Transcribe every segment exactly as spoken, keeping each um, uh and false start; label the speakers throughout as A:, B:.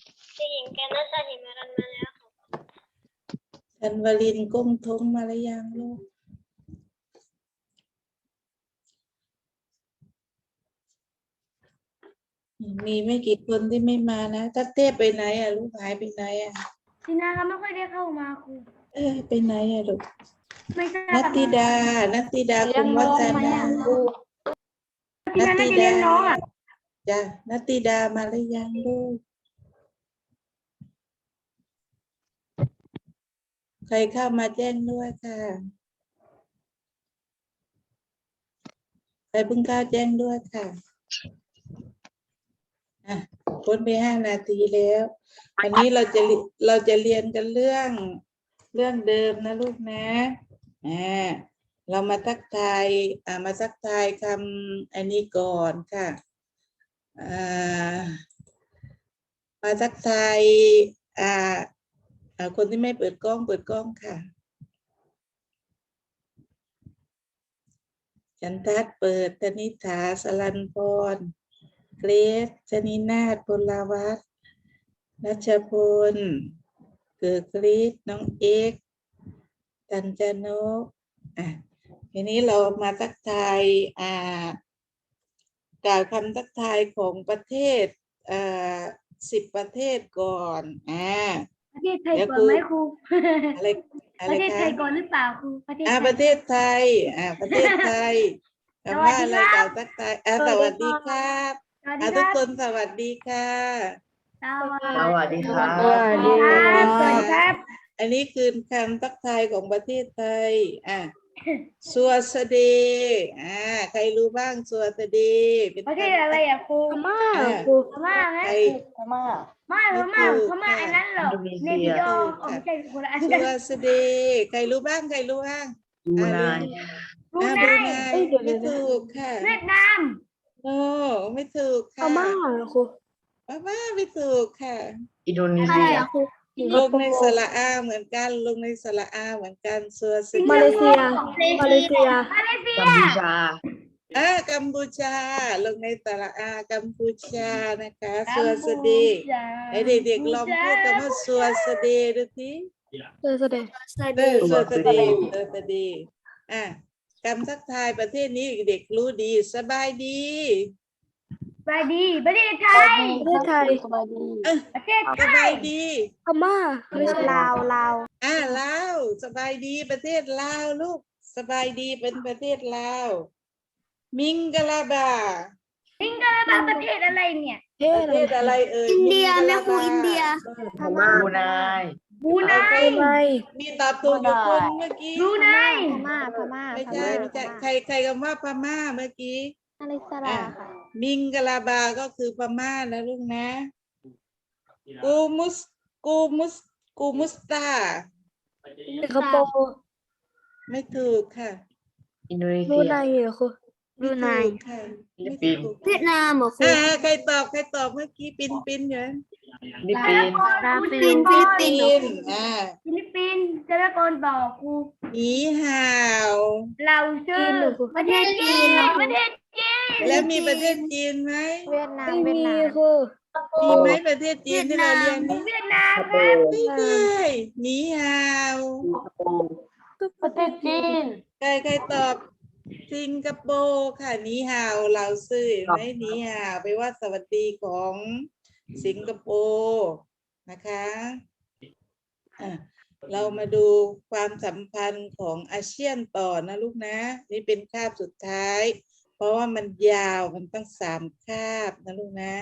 A: ที่หญิงแกน่าจะหิมะรันมาแล้ว
B: ธันวลินก้มท้องมาหรือยังลูกมีไม่กี่คนที่ไม่มานะถ้าเต้ไปไหนอ่ะลูกหายไปไหนอ่ะ
A: ทีน่าก็ไม่ค่อยได้เข้ามาครู
B: เออไปไหนอ่ะลูก
A: ไม่ทรา
B: นั
A: บ
B: ตติดานัตติดาคุณวัฒนา
A: ทีน่าน่าจะเลี้ยงน้องอ่ะ
B: จ้ะนัตติดามาหรือยังลูกใครเข้ามาแจ้งด้วยค่ะใครเพิ่งเข้าแจ้งด้วยค่ะอ่ะพ้นไปห้านาทีแล้ววันนี้เราจะเราจะเรียนกันเรื่องเรื่องเดิมนะลูกนะอ่าเรามาทักทายอ่ามาทักทายคำอันนี้ก่อนค่ะอ่ามาทักทายอ่าอ่าคนที่ไม่เปิดกล้องเปิดกล้องค่ะจันทัศน์เปิดธนิษฐาสลันพรเกรซชนินาถพลวัฒน์รัชพลเกิดกรีดน้องเอกตันจนกอ่ะทีนี้เรามาทักทายอ่ากล่าวคำทักทายของประเทศอ่าสิบประเทศก่อนอ่า
A: ประเทศไทยก่อนไหมครู
B: อะไรอะ
A: ป
B: ไร
A: ระเทศ
B: คะ
A: ไทยก่อนหรือเปล่าครูประเทศ
B: อ่า
A: ไท
B: ป
A: ย
B: ระเทศไทยอ่าประเทศไทยคำว่าอะไรกล่าวทักทายอ่าสวัสดีครับ
A: สวัสดี
B: อ่า
A: ค
B: ทุก
A: รับ
B: คนสวัสดีค่ะ
A: สวัส
C: สวัสดีครับ
A: สวัสดีครับสวัสดีครับ
B: อันนี้คือคำทักทายของประเทศไทยอ่ะสวัสดีอ่าใครรู้บ้างสวัสดีเป็น
A: ประเทศ
B: คำ
A: อะไรอ่ะครู
D: พม่า
B: อ่า
D: ครู
A: พม่าไหม
B: ใคร
C: พม่า
A: ไม่พม่าพม่าอันนั้นเหรอ
C: อินโดนี
A: เน
C: เซีย
A: ปิโดอ๋อไม่ใช่คนละอัน
B: ส
A: กัน
B: วัสดีใครรู้บ้างใครรู้บ้าง
C: บรูไน
A: บรู
B: อ่า
A: ไน
B: บรูไน
D: เอ้ยเดี๋ยว
B: ไม่
D: เดี๋ยว
B: ถูกค่ะ
A: เวียดนาม
B: โอ้ไม่ถูก
D: พ
B: ค่ะ
D: ม่าครู
B: พม่าไม่ถูกค่ะ
C: อินโดนี
D: อะไร
C: เซีย
D: อะครูสิง
B: ล
D: ค
B: ง
D: โป
B: ใน
D: ร์
B: สระอาเหมือนกันลงในสระอาเหมือนกันสวัส
A: สิง
B: ดี
D: มาเลเซีย มาเลเซีย
A: มาเลเซีย
C: กัมพูชา
B: อ่ากัมพูชาลงในสระอากัมพูชานะคะส
A: กัม
B: วัส
A: พู
B: ดี
A: ชา
B: ให้เด็กๆลองพูดคำว่าสวัสดีดูสิ
D: เออแสดง
B: เออส
C: สวั
B: วั
C: ส
B: ส
C: ดี
B: ดีสวัสดีอ่ะคำทักทายประเทศนี้เด็กรู้ดีสบายดี
A: สวัสดีประเทศไทย
D: ประเทศไทย
C: สบายดี
B: เออ
A: ประเทศ
B: ส
A: ไท
B: บาย ยดี
D: พม่าไม่ใช่ลาวลาว
B: อ่าลาวสบายดีประเทศลาวลูกสบายดีเป็นประเทศลาวมิงกะลาบา
A: สิงคโปร์ประเทศอะไรเนี่ย
D: ประเทศ
B: ประ
D: อะไร
B: เทศอะไรเอ่ย
D: อินเดีย
B: มิงกะ
D: แม่
B: ลา
D: ครู
B: บา
D: อินเดีย
C: พม่าบรูไน
A: บรูไน
B: ใคร
D: บรูไน
B: มีตอบถูกอยู่คนเมื่อกี้
A: บรูไน
D: พม่าพม่า
B: ไม่ใช่ไม่ใช่ใครใครคำว่าพม่าเมื่อกี้
D: อะไรส
B: อ่ะ
D: ลาค่ะ
B: มิงกะลาบาก็คือพม่านะลูกนะกูมุสกูมุสกูมุสตา
D: สิงคโปร์
B: ไม่ถูกค่ะ
C: อินโดนี
D: บรู
C: เซีย
D: ไนเหรอครู
B: ไม่ถูกค่ะ
C: ฟิลิปปินส์
B: ไม่ถูก
D: เวียดนามเหรอครู
B: อ่าใครตอบใครตอบเมื่อกี้ปินปินอยู่นะ
C: ฟิลิปปินส์
D: บราซิ
A: ฟิ
D: ล
A: ลิป
D: ฟิ
A: ปิ
D: ลิ
A: น
D: ป
A: ส์
D: ปินส์
B: อ่า
A: ฟิลิปปินส์จะตะโกนบอกครู
B: หนีห่าว
A: เราชื่อประเทศจีนประเทศจีน
B: แล้วมีประเทศจีนไหม
D: เวียดนามเวียดนามครู
B: มีไหมประเทศจีนที่เราเรียนนี่
A: เวียดนาม
C: สิงค
A: ค
C: โป
A: รับ
C: ร์
B: ไม่ใช่หนีห่าว
C: สิงคโปร์
D: ประเทศจีน
B: ใครใครตอบสิงคโปร์ค่ะหนีห่าวเราซื่อเห็นไหมหนีห่าวไปลว่าสวัสดีของสิงคโปร์นะคะอ่ะเรามาดูความสัมพันธ์ของอาเซียนต่อนะลูกนะ นี่เป็นคาบสุดท้าย เพราะว่ามันยาวมันตั้งสามคาบนะลูกนะ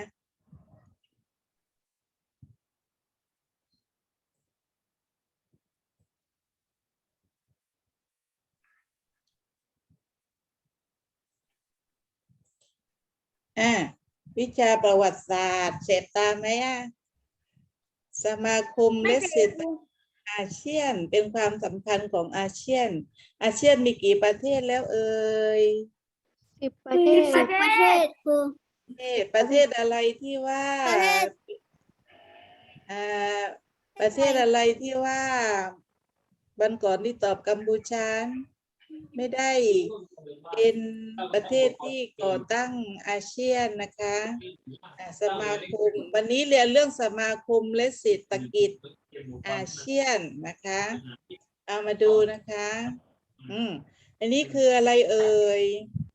B: อ่ะวิชาประวัติศาสตร์เสร็จตามไหมอ่ะสมาคม
A: ไม่
B: และ
A: เสร็
B: เศร
A: จ
B: ษฐอาเซียนเป็นความสัมพันธ์ของอาเซียน อาเซียนมีกี่ประเทศแล้วเอ่ย
D: สิบประเทศ
A: ประเทศ
D: ครู
B: ประเทศประเทศอะไรที่ว่า
D: ประเทศ
B: อ่าประเทศอะไรที่ว่าวันก่อนที่ตอบกัมพูชาไม่ได้เป็นประเทศที่ก่อตั้งอาเซียนนะคะอ่าสมาคมวันนี้เรียนเรื่องสมาคมและเศรษฐกิจอาเซียนนะคะเอามาดูนะคะอืมอันนี้คืออะไรเอ่ย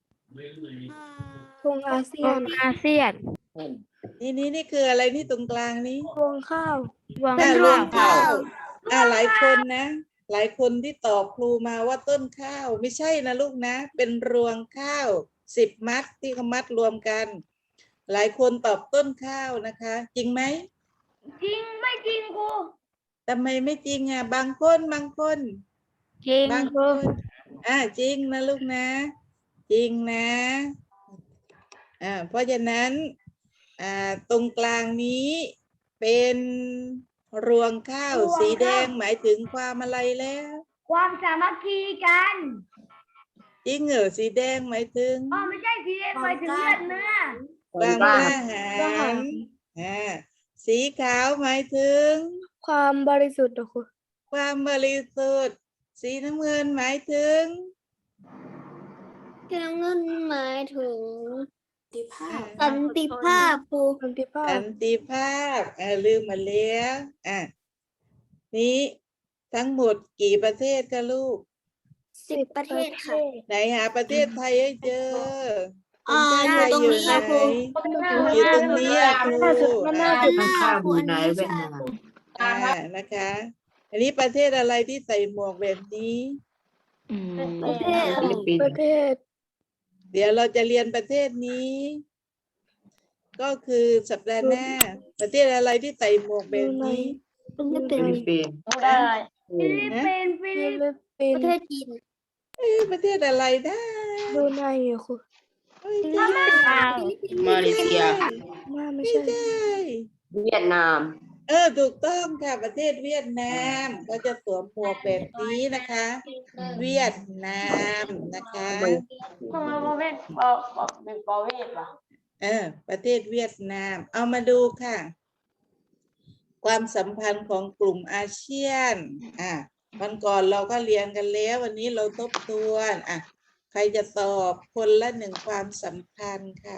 D: ธงอาเซียน
A: อาเซียน
B: นี่นี่นี่คืออะไรที่ตรงกลางนี้
D: รวงข้าว
A: รวง
B: อ่ารวง
A: ข้า
B: ข้าว วอ่าหลายคนนะ หลายคนที่ตอบครูมาว่าต้นข้าวไม่ใช่นะลูกนะ เป็นรวงข้าวสิบมัดที่เขามัดรวมกัน หลายคนตอบต้นข้าวนะคะ จริงไหม
A: จริงไม่จริงครู
B: ทำไมไม่จริงอ่ะบางคนบางคน
A: จริง
B: บาง
A: ค
B: ค
A: รู
B: นอ่าจริงนะลูกนะ จริงนะอ่าเพราะฉะนั้นอ่าตรงกลางนี้เป็นรวงข้าวสีแดงหมายถึงความอะไรแล้ว
A: ความสามัคคีกัน
B: จริงเหรอสีแดงหมายถึง
A: อ๋อไม่ใช่สีแดงหมายถึงเลือดเนื้อ
B: ความกล้าหาญอ่าสีขาวหมายถึง
D: ความบริสุทธิ์เหรอครู
B: ความบริสุทธิ์สีน้ำเงินหมายถึง
D: สีน้ำเงินหมายถึง
B: อ่า
D: สันติภาพครูสันติภา
B: สั
D: พ
B: นติภาพอ่าลืมมาแล้วอ่ะนี้ทั้งหมดกี่ประเทศคะลูก
D: สิบประเทศค่ะ
B: ไหนหาประเทศไทยให้เจอ
D: อ่า
B: ประเทศไทย
D: อยู่
B: อยู่
D: ตรงนี้
B: ไหน
D: ค่ะครู
B: อยู่ตรงนี้อ่ะครู
D: มันน่า
B: อ่า
D: จะ
C: ต้นข้าวบรูไนเวียดนาม
B: อ่านะคะ อันนี้ประเทศอะไรที่ใส่หมวกแบบนี้
C: อืม
D: ประเทศ
C: ฟิลิปปิน
D: ป
C: ส์
D: ระเทศ
B: เดี๋ยวเราจะเรียนประเทศนี้ ก็คือสัปดาห์หน้า ประเทศอะไรที่ใส่หมวกแบบนี้
D: ฟิลิป
C: ฟิลิป
D: ปินส์
C: ปินส์
A: ได้
C: อื
A: ฟิ
C: ม
A: ลิปปินส์ฟิ
D: ฟิ
A: ลิป
D: ลิปปิน
E: ประ
D: ส์
E: เทศจีน
B: เอ้ยประเทศอะไรนะ
D: บรูไนเหรอครู
B: ไม่ใช่
C: มาเลเซีย
D: ว่าไม่
B: ไม่
D: ใช่
B: ใช่
C: เวียดนาม
B: เออถูกต้องค่ะประเทศเวียดนามก็จะสวมหมวกแบบนี้นะคะ เวียดนามนะคะ
A: ทำไมประเภทบอกบอกเป็นประเภทวะ
B: เออประเทศเวียดนาม เอามาดูค่ะ ความสัมพันธ์ของกลุ่มอาเซียนอ่ะวันก่อนเราก็เรียนกันแล้ว วันนี้เราทบทวนอ่ะใครจะตอบคนละหนึ่งความสำคัญค่ะ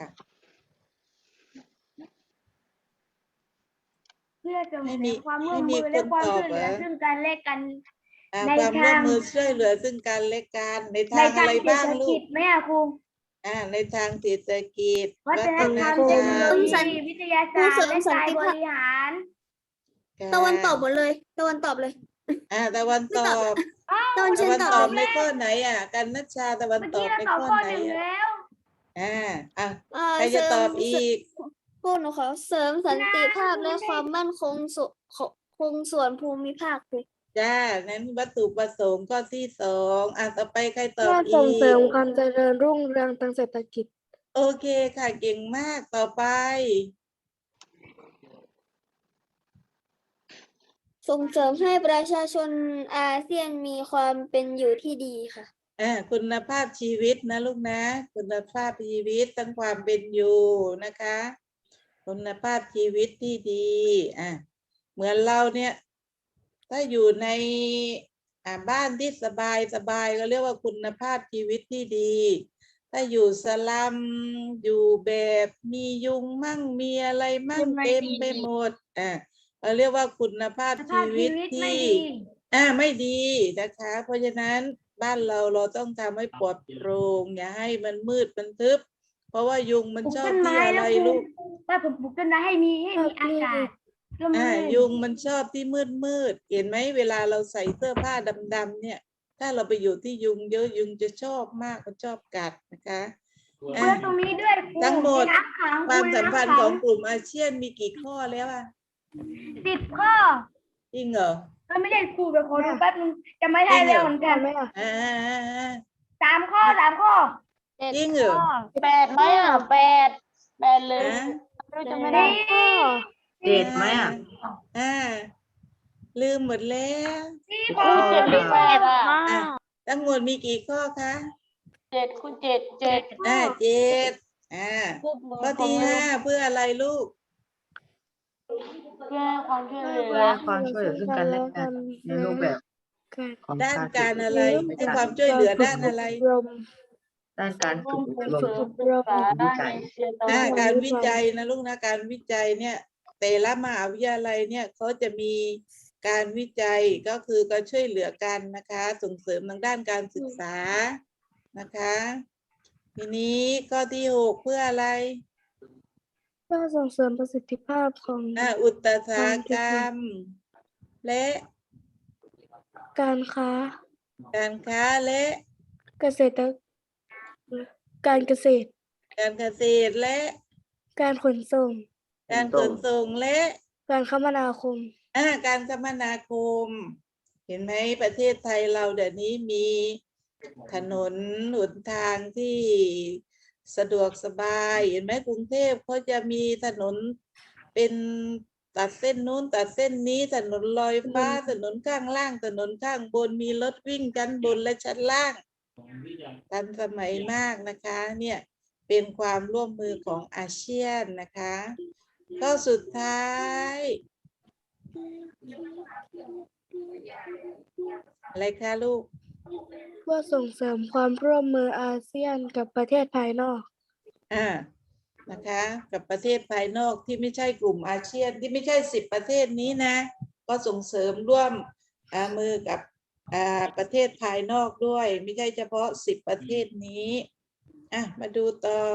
A: เพื่อส่ง
B: ไม่
A: เส
B: มี
A: ริมความร่ว
B: ไม่
A: ม
B: มี
A: มือ
B: ค
A: และ
B: น
A: ความ
B: ตอบ
A: ช่วยเห
B: เหร
A: ลือ
B: อ
A: ซึ่งกันและกัน
B: อ่ะ
A: ใน
B: ความร่วม
A: ทาง
B: มือช่วยเหลือซึ่งกันและกันใน
A: ใน
B: ทาง
A: ทา
B: อะ
A: ง
B: ไร
A: เศรษ
B: บ้าง
A: ฐ
B: ลู
A: กิ
B: ก
A: จไหมอะครู
B: อ่าในทางเศรษฐกิจ
A: วัฒนธรรม
B: วั
A: เท
B: ฒ
A: คน โน
B: ธรรม
A: โลยีวิทยาศาสตร์และการบริหาร
E: ตะวันตอบหมดเลย ตะวันตอบเลย
B: อ่าตะวันตอบ
E: ตะวัน
B: ตะ
E: เชิญ
B: วัน
E: ตอบ
B: ตอบ
E: เล
B: ใน
E: ย
B: ข้อไหนอ่ะกันนัชชาตะวัน
A: เมื่อ
B: ตอ
A: กี้
B: บ
A: เรา
B: ใน
A: ตอบ
B: ข้อ
A: ข้อ
B: ไหน
A: หนึ่ง
B: อ่ะ
A: แล้ว
B: อ่าอ่ะ
E: เอ่อ
B: ใครจะตอบ
E: เสริม
B: อีก
E: พวกหนูขอเสริมสันติภาพและความมั่นคงสุคงส่วนภูมิภาคครู
B: จ้านั้นวัตถุประสงค์ข้อที่สองอ่ะต่อไปใครตอบ
D: เพื่อ
B: อี
D: ส่งเสริม
B: ก
D: ความเจริญรุ่งเรืองทางเศรษฐกิจ
B: โอเคค่ะเก่งมากต่อไป
E: ส่งเสริมให้ประชาชนอาเซียนมีความเป็นอยู่ที่ดีค่ะ
B: อ่าคุณภาพชีวิตนะลูกนะ คุณภาพชีวิตทั้งความเป็นอยู่นะคะ คุณภาพชีวิตที่ดีอ่ะเหมือนเราเนี่ย ถ้าอยู่ในอ่าบ้านที่สบายสบายก็เรียกว่าคุณภาพชีวิตที่ดี ถ้าอยู่สลัมอยู่แบบมียุงมั่งมีอะไรมั่งเต็มไปหมดอ่ะเราเรียกว่าคุณภาพ
A: สภา
B: ชี
A: พ
B: วิ
A: ชี
B: ต
A: วิตไม่
B: ที่
A: ดี
B: อ่าไม่ดีนะคะ เพราะฉะนั้นบ้านเราเราต้องทำให้ปลอดโปร่งอย่าให้มันมืดมันทึบ เพราะว่ายุงมัน
A: ปลูก
B: ชอ
A: ต้
B: บ
A: น
B: ที่
A: ไม้
B: อะไร
A: นะครู
B: ลูก
A: ว่าผมปลูกต้นไม้ให้มีให้มี
D: ครับ
A: อากาศร่ม
B: อ่า
A: รื่น
B: ยุงมันชอบที่มืดมืดเห็นไหมเวลาเราใส่เสื้อผ้าดำๆเนี่ย ถ้าเราไปอยู่ที่ยุงเยอะยุงจะชอบมากมันชอบกัดนะคะ
A: เพื่อตรงนี้ด้วยครู
B: ทั้งหมด
A: น้ำขัง
B: ความสัมพันธ์
A: น้ำ
B: ข
A: ขั
B: องกลุ่มอาเซียนมีกี่ข้อแล้วอ่ะ
A: สิบข้อ
B: จริงเหรอ
A: ก็ไม่ได้ครูเดี๋ยวขอดูแป๊บนึงจะไม่ได้
B: จริงเหรอ
A: แล้วเหมือนกัน
D: ไหมอ่ะ
B: อ่า
A: สามข้อสามข้อ
B: จริงเหรอ
A: แปดไหมอ่ะแปดแปดเลย
B: ฮะ
A: จะไม่ได้
C: เจ็ดไหมอ่ะ
B: อ่าลืมหมดแล้ว
A: สี่
C: สิบ
A: ข้อ
C: ข้อ
A: เจ็ด
C: ค่ะ
A: แปดอ่ะ
B: อ่ะทั้งหมดมีกี่ข้อคะ
A: เจ็ดคูณเจ็ดเจ็ด
B: อ่าเจ็ดอ่า
A: พูดมือ
B: ข้อที่ห้าเพื่ออะไรลูก
A: เพื่อความช่วยเหลื
C: เพื่
A: อ
C: อความช่วยเหลือซึ่งกันและกันในรูปแบบของ
B: ด้าน
C: การ
B: การอะไร
C: ช่วยเหลื
B: ให้
C: อ
B: ความช่วยเหลือด้านอะไร
D: รม
C: ด้านการฝึกอบรม
D: ศึกษาด้านเอเชียตะวัน
B: อ่า
D: ออก
B: การวิจัยนะลูกนะการวิจัยเนี่ยแต่ละมหาวิทยาลัยเนี่ยเขาจะมีการวิจัยก็คือการช่วยเหลือกันนะคะ ส่งเสริมทางด้านการศึกษานะคะ ทีนี้ข้อที่หกเพื่ออะไร
A: เพื่อส่งเสริมประสิทธิภาพของ
B: อ่าอุตสาหกรรม และ
A: การค้า
B: การค้าและ
A: เกษตรการเกษตร
B: การเกษตรและ
A: การขนส่ง
B: การขนส่งและ
A: การคมนาคม
B: อ่าการคมนาคม เห็นไหมประเทศไทยเราเดี๋ยวนี้มีถนนหนทางที่สะดวกสบาย เห็นไหมกรุงเทพเขาจะมีถนนเป็นตัดเส้นนู้นตัดเส้นนี้ถนนลอยฟ้าถนนข้างล่างถนนข้างบนมีรถวิ่งชั้นบนและชั้นล่างทันสมัยมากนะคะเนี่ยเป็นความร่วมมือของอาเซียนนะคะก็สุดท้ายอะไรคะลูก
A: เพื่อส่งเสริมความร่วมมืออาเซียนกับประเทศภายนอก
B: อ่านะคะกับประเทศภายนอกที่ไม่ใช่กลุ่มอาเซียนที่ไม่ใช่สิบประเทศนี้นะก็ส่งเสริมร่วมอ่ามือกับอ่าประเทศภายนอกด้วยไม่ใช่เฉพาะสิบประเทศนี้อ่ะมาดูต่อ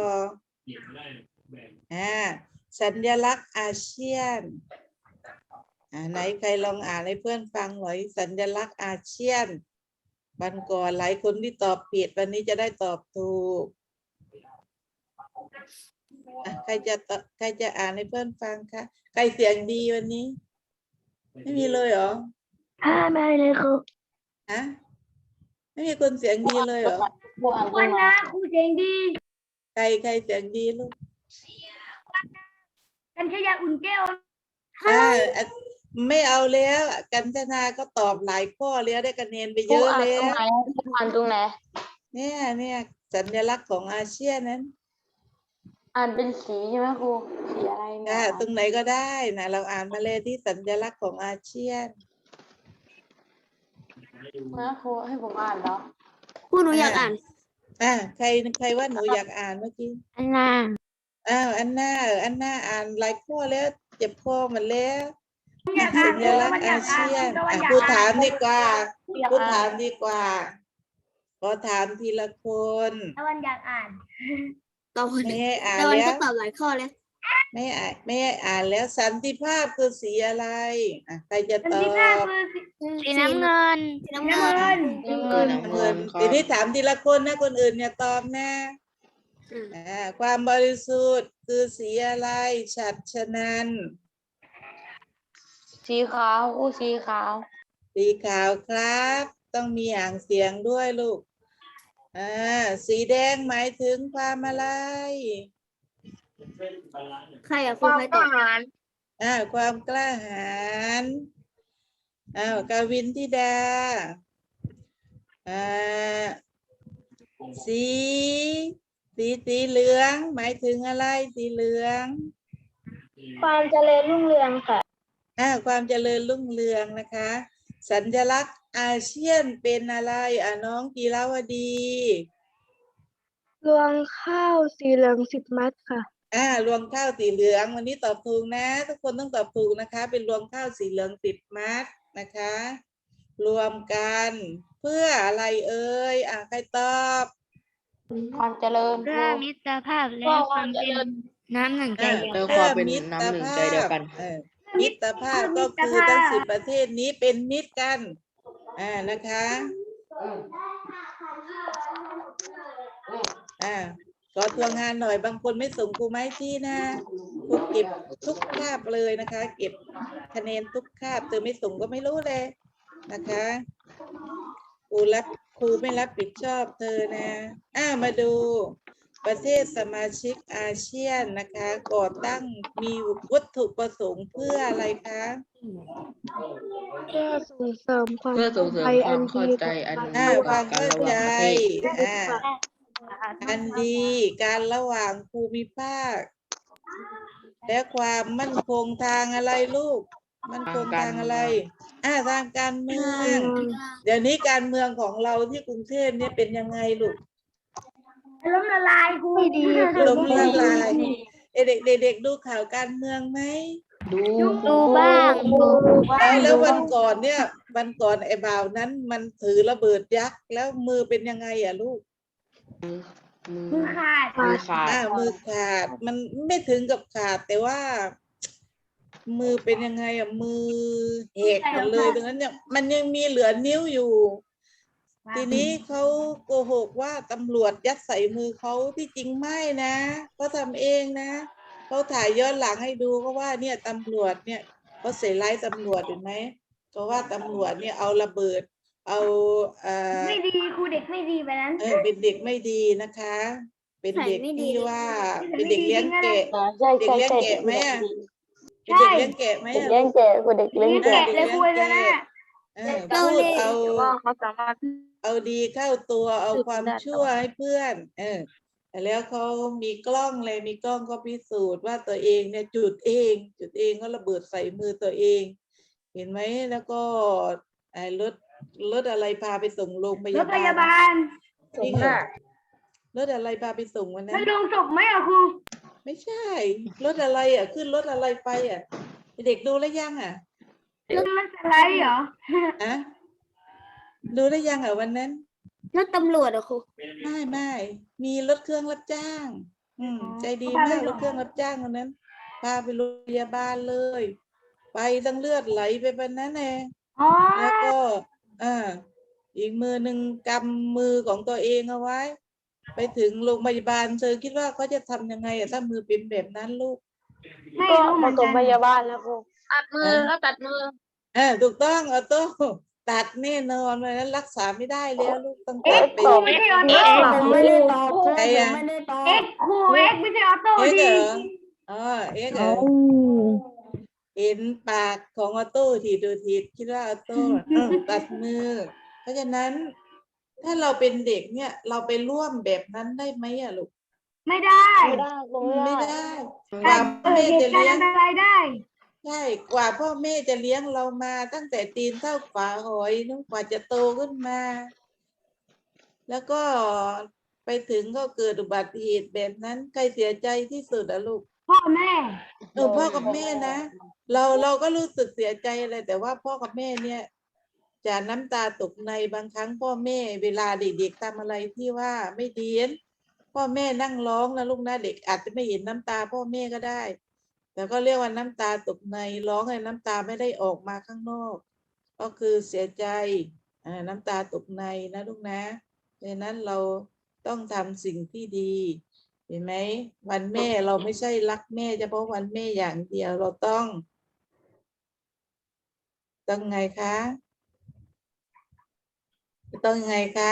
B: อ่าสัญลักษณ์อาเซียนอ่าไหนใครลองอ่านให้เพื่อนฟังหน่อยสัญลักษณ์อาเซียนวันก่อนหลายคนที่ตอบผิดวันนี้จะได้ตอบถูกอ่ะใครจะตใครจะอ่านให้เพื่อนฟังคะใครเสียงดีวันนี้ ไม่มีเลยเหรอ
A: ถ้าไม่เลยครู
B: ฮะไม่มีคนเสียงดีเลยเหรอ
D: ผู้อ่าน
A: วันนะครูเสียงดี
B: ใครใครเสียงดีลูก
A: กันชยาอุ่นแก้ว
B: อ่าอ่ะไม่เอาแล้วกัญจนาก็ตอบหลายข้อแล้วได้คะแนนไปเย
D: ผู้
B: อะ
D: อ่าน
B: แล้
D: ตรง
B: ว
D: ไหนผู้อ่านตรงไหน
B: เนี่ยเนี่ยสัญลักษณ์ของอาเซียนนั้น
D: อ่านเป็นสีใช่ไหมครูสีอะไรเนี่
B: อ่าย
D: อ่าน
B: ตรงไหนก็ได้นะเราอ่านมาเลยที่สัญลักษณ์ของอาเซียน
D: นะครูให้ผมอ่านเหรอ
E: ผู้หนูอยากอ่าน
B: อ่าใครใครว่าหนูอยากอ่านเมื่อกี้
A: อันน่ะ
B: อ้าวอันหน้าเอออันหน้าอ่านหลายข้อแล้วเจ็บคอหมดแล้วสัญลักษณ์อาเซียนอ่ะผู้ถามดีกว่า
D: อยาก
B: ผู้
D: อ่า
B: ถาม
D: น
B: ดีกว่าขอถามทีละคน
A: ตะวันอยากอ่าน
E: ตอบ
B: ไม่ให้อ่าน
E: ตะวัน
B: แล้
E: ก็
B: ว
E: ตอบหลายข้อเลย
B: ไม่อ่านไม่ให้อ่านแล้วสันติภาพคือสีอะไรอ่ะใครจะตอบ
A: สีน้ำเงิน
E: สีน้ำเงิน
D: น้ำเงิน
B: น้ำเงินทีนี้ถามทีละคนนะคนอื่นอย่าตอบนะอ่าความบริสุทธิ์คือสีอะไรฉัตรฉะนัน
D: สีขาวครูสีขาว
B: สีขาวครับ ต้องมีอ่างเสียงด้วยลูกอ่าสีแดงหมายถึงความอะไร
E: ใครอะครูใครตอบ
B: อ่าความกล้าหาญอ้าวกาวินธิดาอ่าสีสีสีเหลืองหมายถึงอะไรสีเหลือง
A: ความเจริญรุ่งเรืองค่ะ
B: อ่าความเจริญรุ่งเรืองนะคะ สัญลักษณ์อาเซียนเป็นอะไรอ่ะน้องกีราวดี
A: รวงข้าวสีเหลืองสิบมัดค่ะ
B: อ่ารวงข้าวสีเหลืองวันนี้ตอบถูกนะ ทุกคนต้องตอบถูกนะคะ เป็นรวงข้าวสีเหลืองสิบมัดนะคะ รวมกันเพื่ออะไรเอ่ยอ่ะใครตอบ
D: ความเจริญค
A: เพื่
D: รู
A: อมิตรภาพและความเป็นน้ำหนึ่งใจ
B: อ่า
A: เดียว
C: แล้ว
B: เพื่
C: ค
B: อ
C: วามเป็น
B: มิตร
C: น้ำหนึ่ง
B: ภา
C: ใจเดียว
B: พ
C: กัน
B: เออมิตรภาพก็คือทั้งสิบประเทศนี้เป็นมิตรกันอ่านะคะอ่าขอทวงงานหน่อยบางคนไม่ส่งครูไม้ที่นะครูเก็บทุกคาบเลยนะคะ เก็บคะแนนทุกคาบเธอไม่ส่งก็ไม่รู้เลยนะคะครูรับครูไม่รับผิดชอบเธอนะอ่ามาดูประเทศสมาชิกอาเซียนนะคะก่อตั้งมีวัตถุประสงค์เพื่ออะไรคะ
A: เพื่อส่งเสริมความ
C: เพื่อส่งเสริมความเข้าใจอัน
B: อ่า
C: ดี
B: ความ
C: กัน
B: เข้า
C: ระห
B: ใจ
C: ว่างประเทศ
B: อ่าอันดีการระหว่างภูมิภาค และความมั่นคงทางอะไรลูก มั่นคงทางอะไร อ่าทางการเมือง เดี๋ยวนี้การเมืองของเราที่กรุงเทพเนี่ยเป็นยังไงลูก
D: ล้มละลายครูไม่ดี
B: ล้มละลายเด็กๆเด็กๆดูข่าวการเมืองไหม
C: ดู
E: ดูบ้างดู
B: แล้วแล้ววันก่อนเนี่ยวันก่อนไอ้บ่าวนั้นมันถือระเบิดยักษ์แล้วมือเป็นยังไงอ่ะลูก
C: มือ
D: มือขาด
C: มือขาด
B: อ่ามือขาดมันไม่ถึงกับขาดแต่ว่า มือเป็นยังไงอ่ะมือแหกหมดเลยตรงนั้นเนี่ยมันยังมีเหลือนิ้วอยู่ ทีนี้เขาโกหกว่าตำรวจยัดใส่มือเขาที่จริงไม่นะเขาทำเองนะเขาถ่ายย้อนหลังให้ดูก็ว่าเนี่ยตำรวจเนี่ยเขาใส่ร้ายตำรวจเห็นไหมเพราะว่าตำรวจเนี่ยเอาระเบิด เอาเอ่อ
D: ไม่ดีครูเด็กไม่ดีไปนั้น
B: เออเป็นเด็กไม่ดีนะคะ เป็นเด็กที่ว่าเป็นเด็กเลี้ยงแกะ
F: ใช่
B: เด็ก
F: ใช่
B: เลี้ยง
F: ใช่
B: แกะไหมอ่ะเป็น
D: ใช่
B: เด็กเลี้ยงแกะไหม
F: เด็ก
B: อ่ะ
F: เลี้ยงแกะกูเด็กเลี้ยง
D: เลี้ยง
F: แกะ
D: แกะเลยครูเลยนะ
B: เออพูดเอา
F: เขาสามารถ
B: เอาดีเข้าตัวเอาความชั่วให้เพื่อน เออแต่แล้วเขามีกล้องเลยมีกล้องก็พิสูจน์ว่าตัวเองเนี่ยจุดเอง จุดเองก็ระเบิดใส่มือตัวเอง เห็นไหมแล้วก็ไอ้รถรถอะไรพาไปส่งโรงพ
D: ร
B: ยา
D: ถพ
B: บาล
D: ยาบาล
B: จริงเหรอรถอะไรพาไปส่งวันนั้
D: มัน
B: น
D: ลงศพไหมอ่ะครู
B: ไม่ใช่ รถอะไรอ่ะ ขึ้นรถอะไรไปอ่ะ เด็กดูแล้วยังอ่ะ
D: มันสไลด์เหรอ
B: อะดูได้ยังอ่ะวันนั้น
E: รถตำรวจเหรอครู
B: ไม่ไม่มีรถเครื่องรับจ้าง อืม ใจดี
D: พาไป
B: มาก
D: ส่ง
B: รถเครื่องรับจ้างคนนั้น พาไปโรงพยาบาลเลย ไปตั้งเลือดไหลไปแบบนั้นเอง
D: อ๋อ
B: แล้วก็อ่าอีกมือหนึ่งกำมือของตัวเองเอาไว้ ไปถึงโรงพยาบาลเธอคิดว่าเขาจะทำยังไงอะถ้ามือเป็นแบบนั้นลูก
D: ไม่
F: ก็
D: รู้เหมื
F: มา
D: อน
F: ส่
D: กั
F: ง
D: น
F: พยาบาลแล้วครู
C: ตัดมือแล้วตัดมือ
B: เออถูกต้องออโต้ตัดแน่นอนเลยนั้นรักษาไม่ได้แล้วลูกต้อง
D: เอ็
B: ตั
D: ก
B: ด
D: ซ์
B: ไป
D: ครูไม่ใช่ออโต้
E: ผมไม่ได้ตอบ
B: ใครอะ
E: ผมไม่ได้ตอบ
D: เอ็กซ์ครูเอ็กซ์ไม่ใช่ออโต้
B: เอ็กซ์
D: ดี
B: เหรออ๋อเอ็กซ์เหรอเห็นปากของออโต้ทีดูทีคิดว่าออโต้เออตัดมือ เพราะฉะนั้น ถ้าเราเป็นเด็กเนี่ย เราไปร่วมแบบนั้นได้ไหมอะลูก
D: ไม่ได้
F: ไม่ได้ครูไม่
B: ไม่
F: ได้
B: ได้ก
D: แต่
B: ว่า
D: เกิ
B: แม่
D: ดเห
B: จะ
D: ตุการ
B: เลี้ย
D: ณ์
B: ง
D: อันตรายได้
B: ใช่กว่าพ่อแม่จะเลี้ยงเรามาตั้งแต่ตีนเท่าฝาหอยนึกกว่าจะโตขึ้นมา แล้วก็ไปถึงก็เกิดอุบัติเหตุแบบนั้นใครเสียใจที่สุดอะลูก
D: พ่อแม่
B: เออพ่อกับแม่นะเราเราก็รู้สึกเสียใจอะไรแต่ว่าพ่อกับแม่เนี่ย จะน้ำตาตกในบางครั้งพ่อแม่เวลาเด็กๆทำอะไรที่ว่าไม่ดีพ่อแม่นั่งร้องนะลูกนะเด็กอาจจะไม่เห็นน้ำตาพ่อแม่ก็ได้ แต่ก็เรียกว่าน้ำตาตกในร้องให้น้ำตาไม่ได้ออกมาข้างนอก ก็คือเสียใจอ่าน้ำตาตกในนะลูกนะดังนั้นเราต้องทำสิ่งที่ดี เห็นไหมวันแม่เราไม่ใช่รักแม่เฉพาะวันแม่อย่างเดียวเราต้องต้องไงคะต้องไงคะ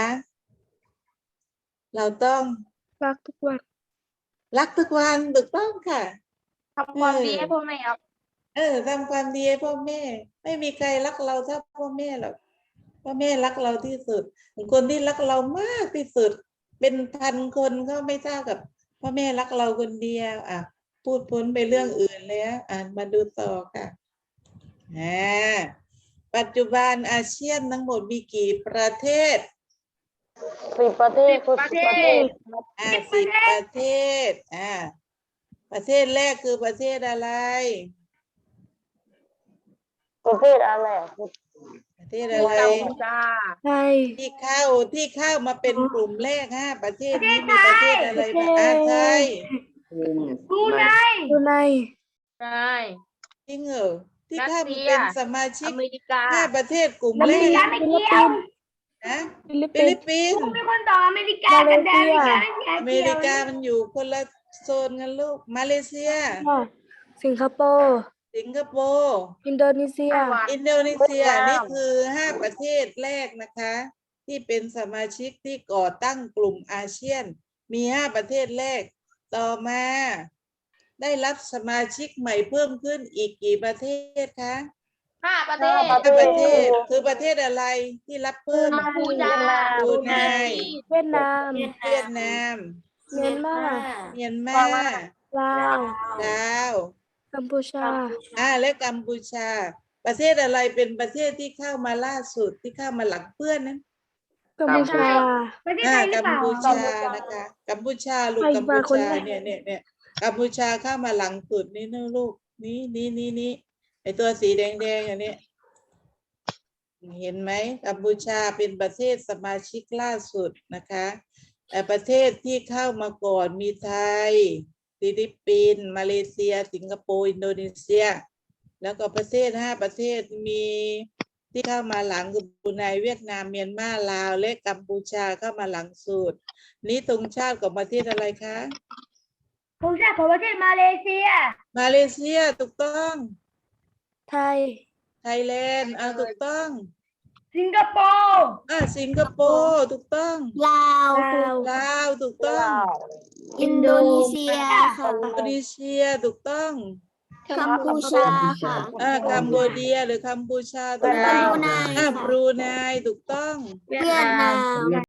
B: เราต้อง
A: รักทุกวัน
B: รักทุกวันถูกต้องค่ะ
C: ทำความดีให้พ่อแม่ครับ
B: เออทำความดีให้พ่อแม่ ไม่มีใครรักเราเท่าพ่อแม่หรอกพ่อแม่รักเราที่สุดคนที่รักเรามากที่สุด เป็นพันคนก็ไม่เท่ากับพ่อแม่รักเราคนเดียวอ่ะพูดพ้นไปเรื่องอื่นแล้วอ่านมาดูต่อค่ะอ่าปัจจุบันอาเซียนทั้งหมดมีกี่ประเทศ
F: สิบประเทศครู
C: ประ
F: สิบ
C: เท
F: ประเท
C: ศ
F: ศ
B: อ่าสิบประเทศอ่าประเทศแรกคือประเทศอะไร
F: ประเทศอะไรอ่ะครู
B: ประเทศอะไร
C: กัมพูชา
A: ไทย
B: ที่เข้าที่เข้ามาเป็นกลุ่มแรกห้าประเทศนี้มีประเทศอะไรบ้างอ่าไทย
D: ครูไน
A: ดูใน
C: ใช่
B: จริงเหรอที่เข้า
C: รัส
B: มา
C: เซีย
B: เป็นสมาชิ
C: อก เมริกา
B: ห้าประเทศกลุ่ม
D: อ
B: แร
D: เมริ
B: ก
D: กาไม่เกี่ยว
B: นะ
A: ฟิลิป
B: ฟิ
A: ปิน
B: ลิป
A: ส์
B: ปิน
D: ครู
B: ส์
D: มีคนต่ออเมริกากับแดนอเมริกาไม่เกี่ยว
B: อเมริกามันอยู่คนละโซนกันลูกมาเลเซีย
A: สิงคโปร์
B: สิงคโปร์
A: อินโดนีเซีย
B: อินโดนีเซียนี่คือห้าประเทศแรกนะคะ ที่เป็นสมาชิกที่ก่อตั้งกลุ่มอาเซียน มีห้าประเทศแรกต่อมา ได้รับสมาชิกใหม่เพิ่มขึ้นอีกกี่ประเทศคะ
C: ห้าประเทศ
B: ห้าประเทศคือประเทศอะไรที่รับเพิ่ม
C: กัมพูชา
B: บรูไน
A: เวียดนาม
B: เวียดนาม
A: เมียนมา
B: เมียนมา
A: ลาว
B: ลาว
A: กัมพูชา
B: อ่าและกัมพูชา ประเทศอะไรเป็นประเทศที่เข้ามาล่าสุดที่เข้ามาหลังเพื่อนนั้น
A: กัมพูชา
C: ประเทศ
B: อ่า
C: ไทยหรือ
B: กัม
C: เปล่า
B: พูชานะคะกัมพูชาลูก
A: ใคร
B: กัมพู
A: มาคน
B: ชา
A: แรก
B: เนี่ยเนี่ยเนี่ยกัมพูชาเข้ามาหลังสุดนี่นะลูกนี่นี่นี่นี่ไอตัวสีแดงๆอย่างนี้ เห็นไหมกัมพูชาเป็นประเทศสมาชิกล่าสุดนะคะแต่ประเทศที่เข้ามาก่อนมีไทยฟิลิปปินส์มาเลเซีย สิงคโปร์อินโดนีเซีย แล้วก็ประเทศห้าประเทศมีที่เข้ามาหลังคือบรูไนเวียดนามเมียนมาลาวและกัมพูชาเข้ามาหลังสุดนี้ธงชาติของประเทศอะไรคะ
C: ธงชาติของประเทศมาเลเซีย
B: มาเลเซียถูกต้อง
A: ไทย
B: ไทยแลนด์อ่าถูกต้อง
C: สิงคโปร์
B: อ่าสิงคโปร์ถูกต้อง
E: ลาว
A: ลาว
B: ลาวถูกต้อง
E: อินโดนีเซียค่ะ
B: อินโดนีเซียถูกต้อง
E: กัมพูชาค่ะ
B: อ่ากัมโบเดียหรือกัมพูชาถูก
E: บ
B: ต้อง
E: รูไน
B: อ่า
E: ค่ะ
B: บรูไนถูกต้อง
E: เวียดนาม